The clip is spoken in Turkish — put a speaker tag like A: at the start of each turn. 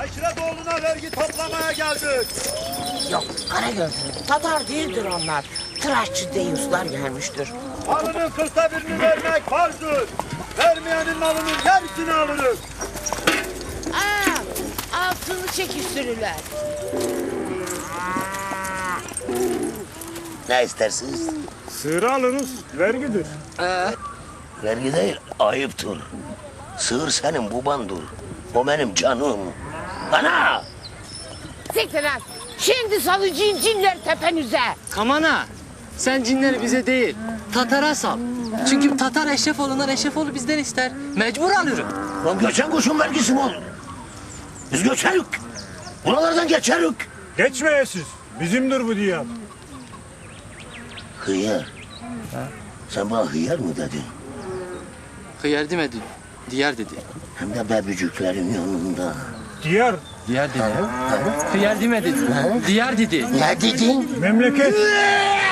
A: Aşiret vergi toplamaya geldik.
B: Yok Karagözlü, Tatar değildir onlar. Tıraşçı deyuslar gelmiştir.
A: Malının 40'ta birini vermek farzdır. Vermeyenin malının yarısını alırız.
B: Altını çekiştirirler.
C: Ne istersiniz?
D: Sığırı alınız, vergidir.
C: Vergi değil, ayıptır. Sığır senin babandır. O benim canım. Ana!
B: Siktir lan. Şimdi salıcıyım cinler tepenize.
E: Kamana, sen cinleri bize değil, Tatar'a sal. Çünkü Tatar Eşrefoğlu'ndan Eşrefoğlu bizden ister. Mecbur alırım.
C: Lan göçen kuşun vergisi mi olur? Biz göçerük. Buralardan geçerük.
D: Geçmeyesiz. Bizimdir bu diyar.
C: Hıyar. Sen bana hıyar mı dedin?
E: Hıyar demedi, diyar dedi.
C: Hem de bebücüklerin yanında.
D: Diyar,
E: Diyar dedi. Hıyar demedi, diyar dedi.
C: Ne dedin?
D: memleket.